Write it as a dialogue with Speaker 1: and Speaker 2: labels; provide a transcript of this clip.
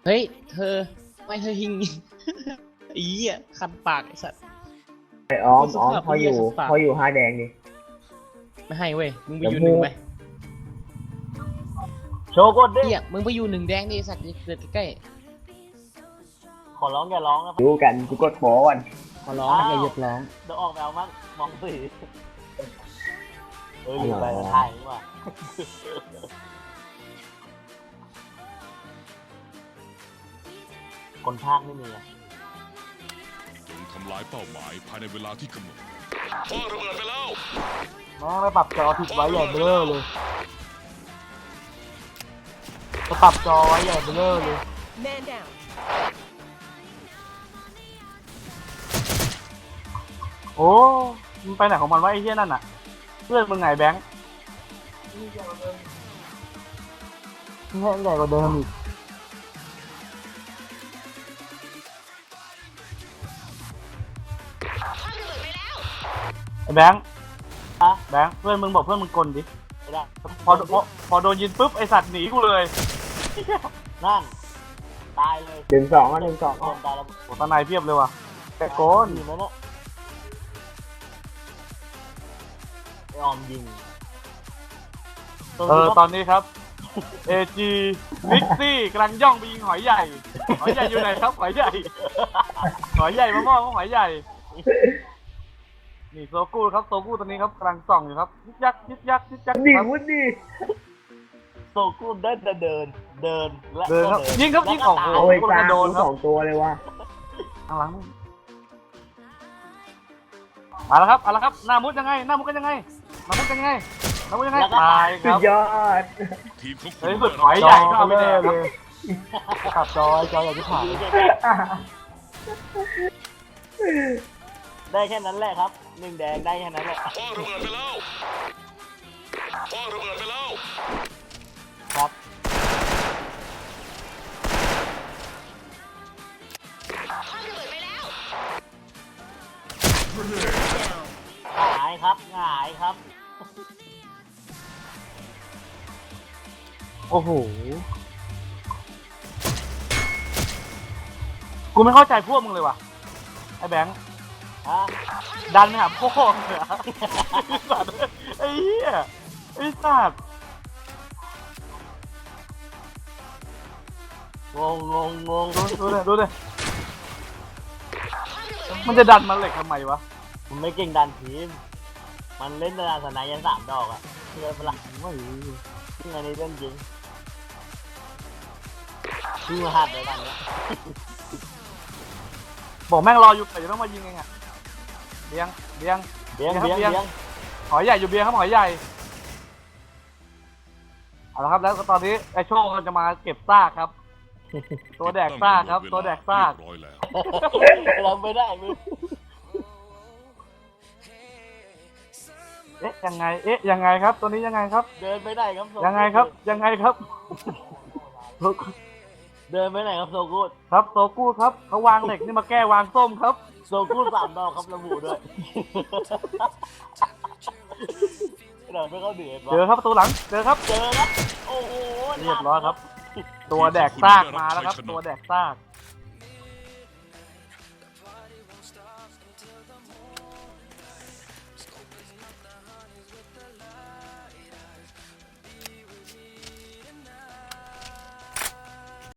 Speaker 1: เฮ้ยเธอไม่เธอหิงอีอ่ะคันปากไอ้สัตว์
Speaker 2: ไอ้อ้อมเขาอยู่ห้าแดงดิ
Speaker 1: ไม่ให้เว้ยมึงไปอยู่หนึ่งไป
Speaker 3: โชว์กดดิ
Speaker 1: มึงไปอยู่หนึ่งแดงดิสัตว์เกิดใกล้
Speaker 3: ขอร้องอย่าร้องนะ
Speaker 2: ดูกันกูกดโป้ก่อน
Speaker 1: ขอร้องอย่าหยุดร้อง
Speaker 3: เดี๋ยวออกแมวมั้งมองสีอยู่ไปถ่ายดีกว่าคนภาคไม่มี
Speaker 4: จงทำลายเป้าหมายภายในเวลาที่กำหนดพ่อระเบิดไปแล้ว
Speaker 3: แม่ไม่ปรับจอผิดไว้ใหญ่เบ้อเลยจะปรับจอไว้ใหญ่เบ้อเลยโอ้มันไปไหนของมันวะไอ้เหี้ยนั่นน่ะเพื่อนมึงไงแบงค์ใหญ่กว่าเดิมอีกไอ้แบงค์แบงค์เพื่อนมึงบอกเพื่อนมึงกลดิไม่ได้พอโดนยิงปุ๊บไอสัตว์หนีกูเลยนั่นตายเลย
Speaker 2: 1-2อ่ะ
Speaker 3: ตายแล้วโอ้ตาในเพียบเลยว่ะแต่โกนอยู่นั่นแหละไอออมยิงตอนนี้ครับAG มิกซี่กำลังย่องไปยิงหอยใหญ่อยู่ไหนครับหอยใหญ่มามอบหอยใหญ่นี่โซกู้ครับโซกู้ตอนนี้ครับกำลังส่องอยู่ครับยึกยัก
Speaker 2: ดิวุ้นดิ
Speaker 3: โซกู้เดินและเดินครับยิงออก
Speaker 2: โอ้ยกลางโดน2ตัวเลยว่ะ
Speaker 3: ข้างหลังมาแล้วครับหน้ามุดกันยังไงตายครับ
Speaker 2: ยอด
Speaker 4: ทีมของคุ
Speaker 3: เฮ้ย
Speaker 4: ณ
Speaker 3: สุดหอยใหญ่ก็เอาไปแดกครับขับจอยอยากจะผ่านได้แค่นั้นแหละครับ1แดงได้แค่นั้นแหละ
Speaker 4: พ่อระเบิดไปแล้ว
Speaker 3: ครับหงายครับโอ้โหกูไม่เข้าใจพวกมึงเลยว่ะไอ้แบงค์ดันไปหาพ่อเลยอะไอ้เหี้ยไอ้สัตว์งงดูเลยมันจะดันมาเหล็กทำไมวะมันไม่เก่งดันทีมมันเล่นดันสนายยัน3 ดอกอะเชื่อปะล่ะไม่ที่อันนี้เล่นจริงชื่อหัดเลยดันเนี้ยบอกแม่งรออยู่แต่ยังต้องมายิงเองอะเบียงหอยใหญ่อยู่เบียงครับหอยใหญ่เอาละครับแล้วตอนนี้ไอโชคจะมาเก็บซากครับตัวแดกซากครับตัวแดกซากเราไม่ได้มึงยังไงครับตัวนี้ยังไงครับเดินไม่ได้ครับยังไงครับเดินไม่ได้ครับโซกูดครับโซกูดครับเขาวางเหล็กนี่มาแก้วางส้มครับโซกูด3 ดอกครับระบุด้วยเดินไม่เข้าเดือดเจอครับประตูหลังเจอครับโอ้โหเรียบร้อยครับตัวแดกซากมาแล้วครับตัวแดกซาก